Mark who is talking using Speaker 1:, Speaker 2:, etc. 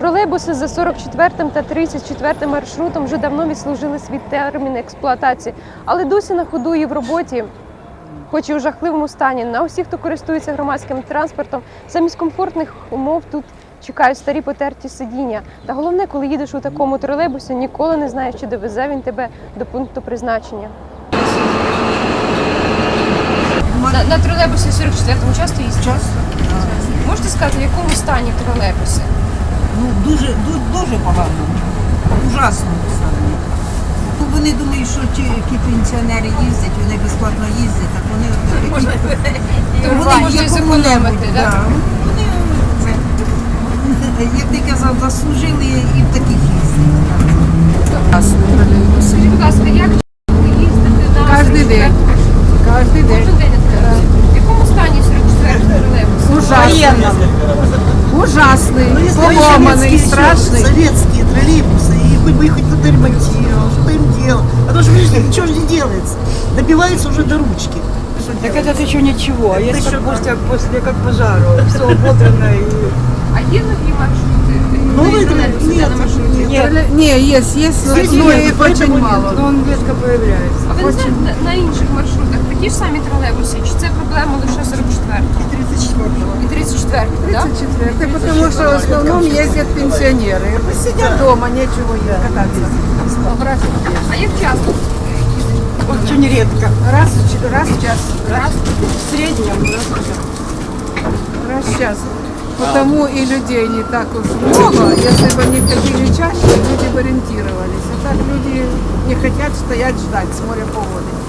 Speaker 1: Тролейбуси за 44 та 34 маршрутом вже давно відслужили свій термін експлуатації, але досі на ходу і в роботі, хоч і у жахливому стані. На усіх, хто користується громадським транспортом, замість комфортних умов тут чекають старі потерті сидіння. Та головне, коли їдеш у такому тролейбусі, ніколи не знаєш, чи довезе він тебе до пункту призначення. На тролейбусі 44-му часто їздите?
Speaker 2: Часто.
Speaker 1: Можете сказати, в якому стані тролейбуси?
Speaker 2: Ну, дуже погано. Ужасно стані. Ну, вони думають, що ті пенсіонери їздять, вони безплатно їздять, так вони
Speaker 1: Можна зекономити, так?
Speaker 2: Вони, як ти казав, заслужили і в таких їздять.
Speaker 1: Скажіть, будь ласка, як ви їздите на
Speaker 3: Кожний день. Кожен день.
Speaker 1: Кожен день відкривається? В якому стані 44-й тролейбус?
Speaker 3: Ужасный, поломанный, страшный.
Speaker 4: Советские троллейбусы, и хоть бы их хоть кто-то ремонтировал, что им делал. А то что, видишь, ничего же не делается. Добивается уже до ручки.
Speaker 3: Так это еще ничего,
Speaker 4: Это
Speaker 3: если
Speaker 4: еще
Speaker 3: после как пожару, все ободрано и...
Speaker 1: А є нові маршрути?
Speaker 4: Новые
Speaker 1: тролейбуси
Speaker 4: троллейбусы?
Speaker 1: йде на маршруті?
Speaker 3: Не, есть, но их очень мало, но он редко появляется.
Speaker 1: А ви не знаєте, на інших маршрутах такі ж самі тролейбуси? Чи це проблема лише 44-го?
Speaker 4: И 34-го.
Speaker 1: І 34-го, так?
Speaker 3: 34, потому что в основном ездят пенсионеры. Сидят дома, нечего им кататься.
Speaker 1: А як часто?
Speaker 3: Очень редко. Раз в час. В среднем раз в час. Потому и людей не так уж много. Если бы они ходили чаще, люди бы ориентировались. А так люди не хотят стоять ждать с моря погоды.